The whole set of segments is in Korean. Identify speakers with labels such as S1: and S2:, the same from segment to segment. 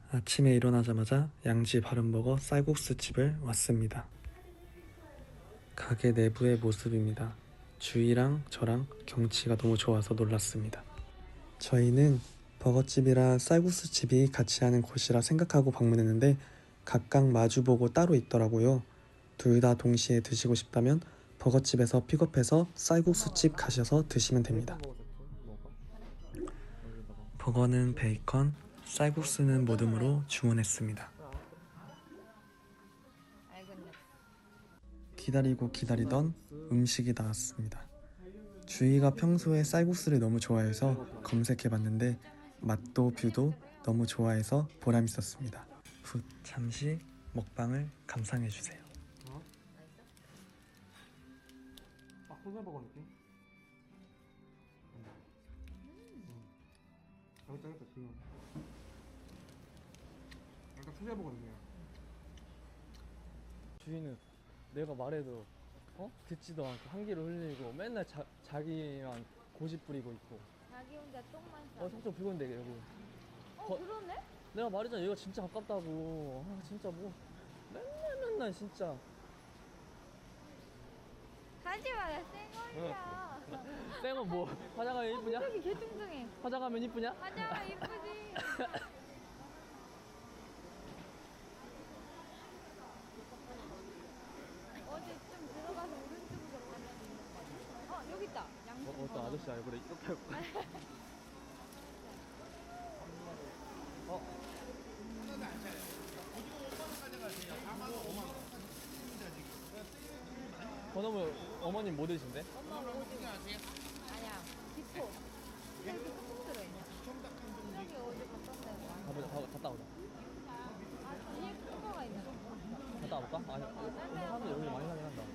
S1: 아침에 일어나자마자 양지 바른버거 쌀국수집을 왔습니다. 가게 내부의 모습입니다. 주희랑 저랑 경치가 너무 좋아서 놀랐습니다. 저희는 버거집이랑 쌀국수집이 같이 하는 곳이라 생각하고 방문했는데 각각 마주보고 따로 있더라고요. 둘 다 동시에 드시고 싶다면 버거집에서 픽업해서 쌀국수집 가셔서 드시면 됩니다. 버거는 베이컨, 쌀국수는 모듬으로 주문했습니다. 기다리고 기다리던 음식이 나왔습니다. 주희가 평소에 쌀국수를 너무 좋아해서 검색해봤는데 맛도 뷰도 너무 좋아해서 보람있었습니다. 후, 잠시 먹방을 감상해주세요.
S2: 소세버거 느낌? 짱짱했다 지금. 약간 소세버거 느낌이야.
S3: 주인은 내가 말해도 듣지도 않고 한기를 흘리고 맨날 자기만 고집 부리고 있고.
S4: 자기 혼자 똥만 싸.
S3: 삼촌 불건데 여기.
S4: 그러네?
S3: 내가 말했잖아 여기가 진짜 가깝다고. 진짜 뭐 맨날 진짜.
S4: 가지 마라, 쌩얼이야.
S3: 쌩은 뭐 화장하면 이쁘냐?
S4: 여기 개뚱뚱해.
S3: 화장하면 이쁘냐?
S4: 화장하면 이쁘지. 어제 좀 들어가서 오른쪽으로 가면 있는 거 같아. 여기 있다. 양쪽.
S3: 어떤 아저씨 얼굴에 이렇게 하고. 번호물 어머님 뭐 드신대?
S4: 엄마 뭐 아세요? 아니야. 기포. 여기 푹 들어있냐? 저기 어디 갔다
S3: 갔다 오자.
S4: 뒤에 큰 거가 있나?
S3: 갔다 와볼까? 아니 사람들 여기 많이 사긴 한다.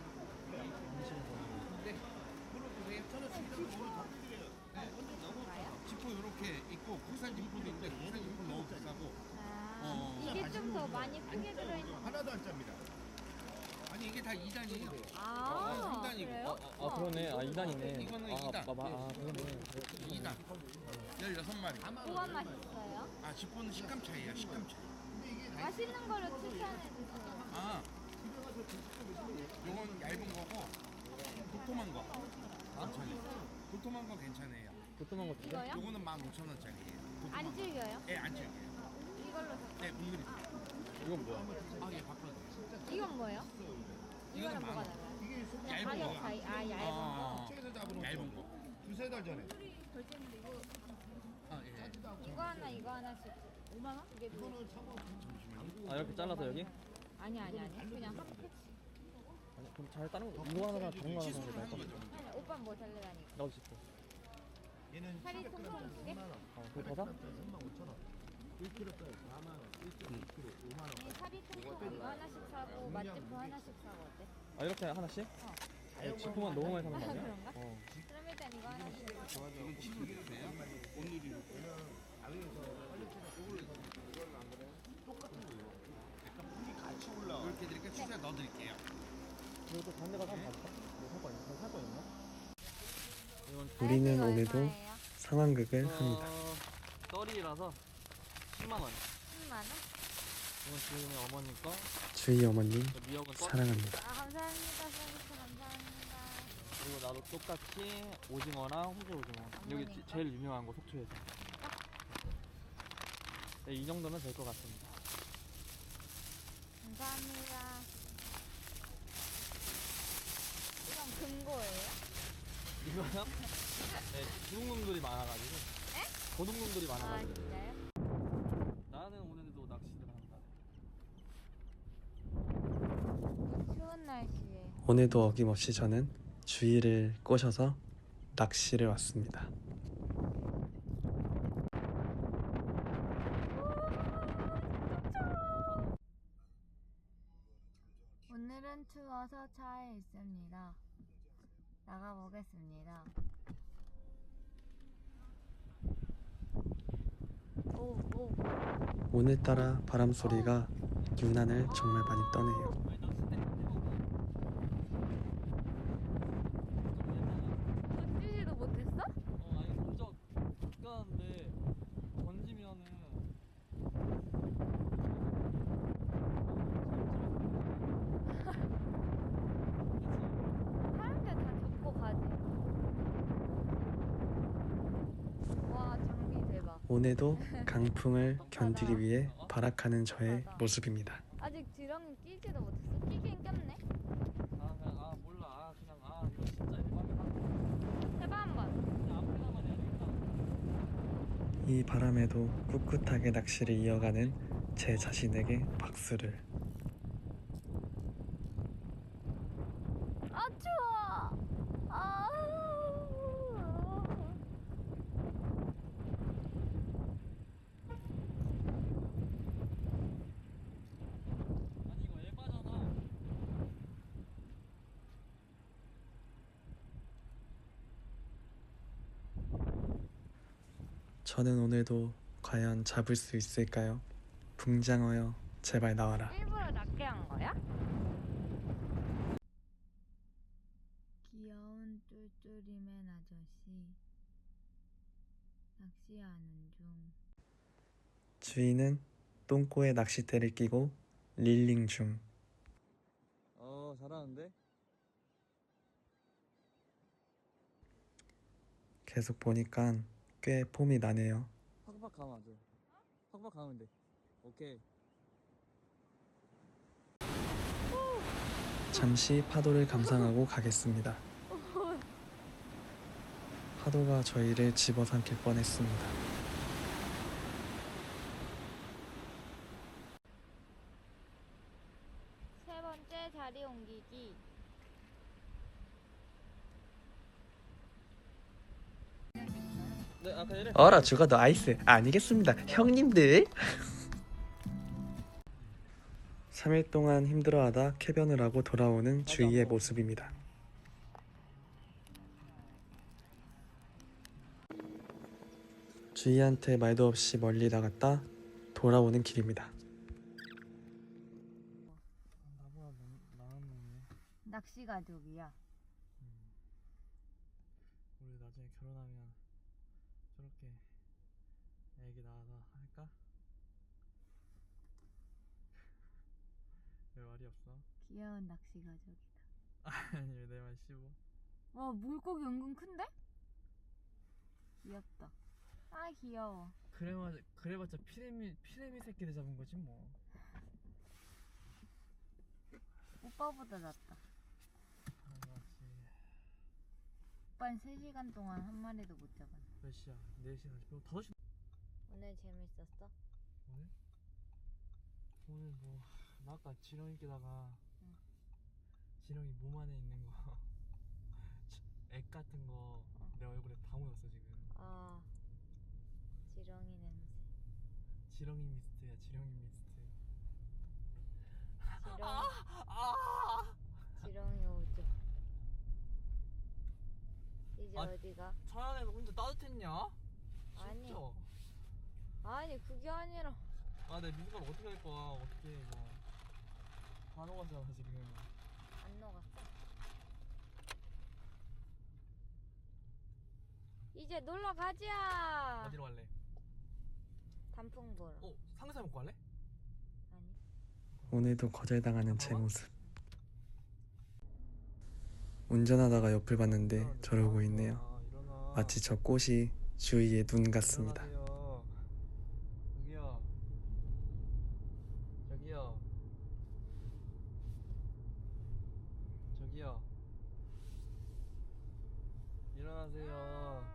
S5: 지포 이렇게 있고 국산 지포도 있는데 국산 지포는 너무 비싸고
S4: 이게 좀 더 많이 크게 들어있는.
S5: 하나도 안 짭니다. 아니 이게 다 2단이에요. 3단이고
S4: 그래요?
S3: 그러네. 2단이네.
S5: 이거는 2단.
S3: 그러네.
S5: 2단 16마리.
S4: 뭐가 맛있어요?
S5: 지포는 식감 차이야. 식감 차이.
S4: 맛있는 걸로 추천해 주세요.
S5: 요건 얇은 거고 도톰한 거 괜찮아요. 도톰한 거 괜찮아요.
S3: 도톰한 거
S4: 이거요?
S5: 요거는 15,000원짜리예요.
S4: 안 질겨요?
S5: 예, 안 질겨요.
S4: 이걸로.
S5: 네, 물들이.
S3: 이건 뭐야?
S5: 예, 바꿔도 돼요.
S4: 이건 뭐예요?
S5: 이거는
S4: 이거는 뭐가
S5: 만 원.
S4: 달라요? 그냥
S5: 얇은
S4: 가격
S5: 거.
S4: 차이. 얇은 거.
S5: 책에서 잡은 얇은 거. 두세 달 전에. 예.
S4: 이거 하나 이거 하나씩 5만 원? 이게 뭐?
S3: 이렇게 잘라서 여기?
S4: 아니 그냥 한 패치.
S3: 아니 그럼 잘 다른 거 이거 하나 다른 거 하나 사는 게 나을 것 같아.
S4: 아니 오빠 뭐 달래다니까.
S3: 나도 싶어.
S4: 살이 통통 두 개?
S3: 그거 더 사?
S4: 이 살이 통통 이거 하나씩 사고 맛집도 하나씩 사고 어때?
S3: 이렇게 하나씩? 지포만 너무 많이 사는 거 아니야?
S4: 그런가? 그럼 일단 이거 하나씩.
S5: 이건 치즈예요. 오늘이 같이 올라. 이렇게 드릴게요. 추가 넣어드릴게요.
S3: 이것도 다른 데 가서 한번 봐볼까? 살거 있나? 이건
S1: 우리는
S4: 이거
S1: 오늘도
S4: 얼마예요?
S1: 상황극을 합니다.
S3: 떨이라서 10만 원.
S4: 10만 원?
S3: 이건 주인의 어머니 거.
S1: 주희 어머님
S3: 미역은 떨.
S1: 사랑합니다.
S4: 감사합니다. 서비스 감사합니다.
S3: 그리고 나도 똑같이 오징어랑 호주 오징어. 여기
S4: 어머니 거?
S3: 제일 유명한 거 속초에서. 네, 이 정도면 될 것 같습니다.
S4: 감사합니다. 이건 금고예요?
S3: 이거요? 네, 도둑놈들이 많아가지고. 도둑놈들이 많아가지고.
S4: 진짜요?
S3: 나는 오늘도 낚시를 한다.
S4: 추운 날씨에
S1: 오늘도 어김없이 저는 주희를 꼬셔서 낚시를 왔습니다.
S4: 오늘은 추워서 차에 있습니다. 나가보겠습니다. 오.
S1: 오늘따라 바람소리가 유난을 정말 많이 떠네요.
S4: 던지지도 못했어?
S3: 아니 던져 가는데 던지면은
S1: 오늘도 강풍을 견디기 위해 발악하는 저의 모습입니다.
S4: 아직 지렁이 끼지도 못했어. 끼긴 꼈네.
S3: 몰라. 그냥 이거 진짜 에바다.
S4: 해봐 한번.
S3: 그냥 앞에다만 해야 되겠다.
S1: 이 바람에도 꿋꿋하게 낚시를 이어가는 제 자신에게 박수를.
S4: 아 추워. 아.
S3: 아니 이거 에바잖아.
S1: 저는 오늘도 과연 잡을 수 있을까요? 붕장어여 제발 나와라.
S4: 일부러 낮게 한 거야? 귀여운 쫄쫄이맨 아저씨 낚시하는 중.
S1: 주인은 똥꼬에 낚싯대를 끼고 릴링 중.
S3: 잘하는데?
S1: 계속 보니까 꽤 폼이 나네요.
S3: 팍팍 가면 안 돼. 팍팍 가면 돼. 오케이.
S1: 잠시 파도를 감상하고 가겠습니다. 파도가 저희를 집어삼킬 뻔했습니다.
S4: 세 번째 자리 옮기기.
S3: 네, 아까 이래.
S1: 얼어 죽어도 아이스 아니겠습니다 형님들. 3일 동안 힘들어하다 쾌변을 하고 돌아오는 주희의 모습입니다. 주희한테 말도 없이 멀리 나갔다 돌아오는 길입니다.
S3: 나보다 나은 놈이네.
S4: 낚시 가족이야.
S3: 우리 나중에 결혼하면 저렇게 애기 낳아서 할까? 왜 말이 없어?
S4: 귀여운 낚시 가족이다.
S3: 아니 왜 내 말 씹어?
S4: 와 물고기 은근 큰데? 귀엽다. 아 귀여워.
S3: 그래봤자 피레미 새끼들 잡은 거지 뭐.
S4: 오빠보다 낫다.
S3: 맞지.
S4: 오빠는 3시간 동안 한 마리도 못 잡았네.
S3: 몇 시야? 4시 40분? 5시?
S4: 오늘 재밌었어?
S3: 오늘 뭐 나 아까 지렁이 끼다가
S4: 응.
S3: 지렁이 몸 안에 있는 거 액 같은 거 내 얼굴에 다 묻었어 지금.
S4: 아 지렁이 냄새.
S3: 지렁이 미스트야 지렁이 미스트.
S4: 지렁이 오죠. 이제
S3: 아,
S4: 어디가?
S3: 차안에서 혼자 따뜻했냐?
S4: 아니.
S3: 진짜?
S4: 아니 그게 아니라
S3: 내 미숫가루 어떻게 할 거야? 어떻게 해 이거? 다 녹았잖아 지금.
S4: 안 녹았어. 이제 놀러 가자.
S3: 어디로 갈래?
S4: 단풍 보러.
S3: 삼겹살 먹고 갈래?
S4: 아니.
S1: 오늘도 거절당하는 제 모습. 운전하다가 옆을 봤는데 저러고 있네요.
S3: 일어나.
S1: 마치 저 꽃이 주희의 눈 같습니다.
S3: 일어나세요. 저기요. 저기요. 일어나세요.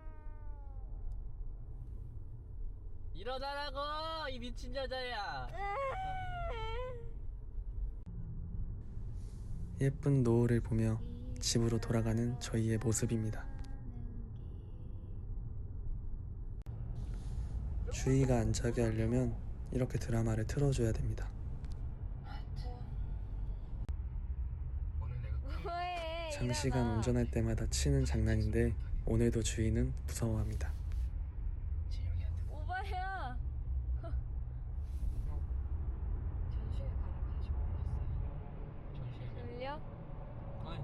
S3: 일어나라고 이 미친 여자야.
S1: 예쁜 노을을 보며 집으로 돌아가는 저희의 모습입니다. 주희가 안 자게 하려면 이렇게 드라마를 틀어줘야 됩니다.
S4: 왜?
S1: 장시간
S4: 일어나.
S1: 운전할 때마다 치는 장난인데 오늘도 주희는 무서워합니다.
S4: 오바야. 졸려?
S3: 아니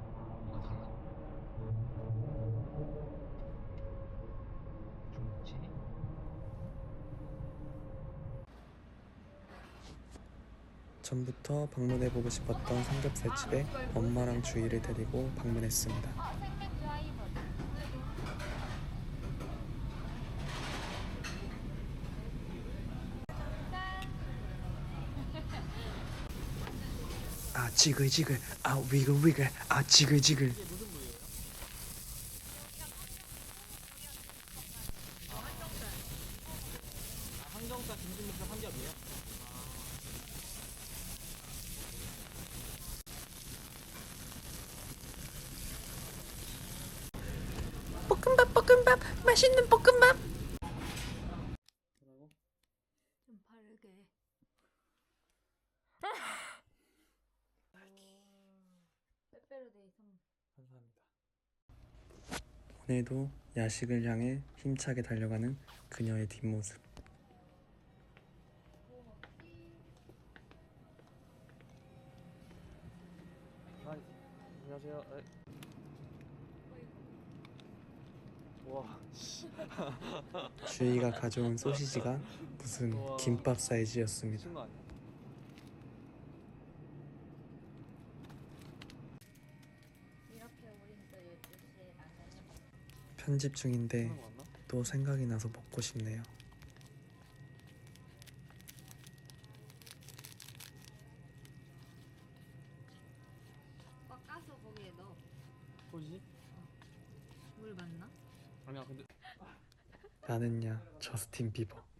S1: 전부터 방문해보고 싶었던 삼겹살집에 엄마랑 주희를 데리고 방문했습니다.
S4: 생맥주 하이볼.
S1: 아 지글지글 아 위글위글 아 지글지글.
S3: 이게 무슨 부위예요? 항정살 김치묵살 삼겹이에요?
S1: 볶음밥 맛있는 볶음밥.
S3: 뭐라고?
S4: 좀 바르게. 빼빼로데이 선물.
S3: 감사합니다.
S1: 오늘도 야식을 향해 힘차게 달려가는 그녀의 뒷모습.
S3: 아, 안녕하세요. 와, 씨.
S1: 주희가 가져온 소시지가 무슨
S3: 우와.
S1: 김밥 사이즈였습니다.
S3: 미친 거 아니야?
S4: 이렇게 우린 또 12시에 나가는
S1: 편집 중인데
S3: 하는 거 맞나?
S1: 또 생각이 나서 먹고 싶네요.
S4: 꽉 까서 거기에 넣어.
S3: 뭐지?
S4: 물 맞나?
S3: 아니야, 근데
S1: 나는야 저스틴 비버.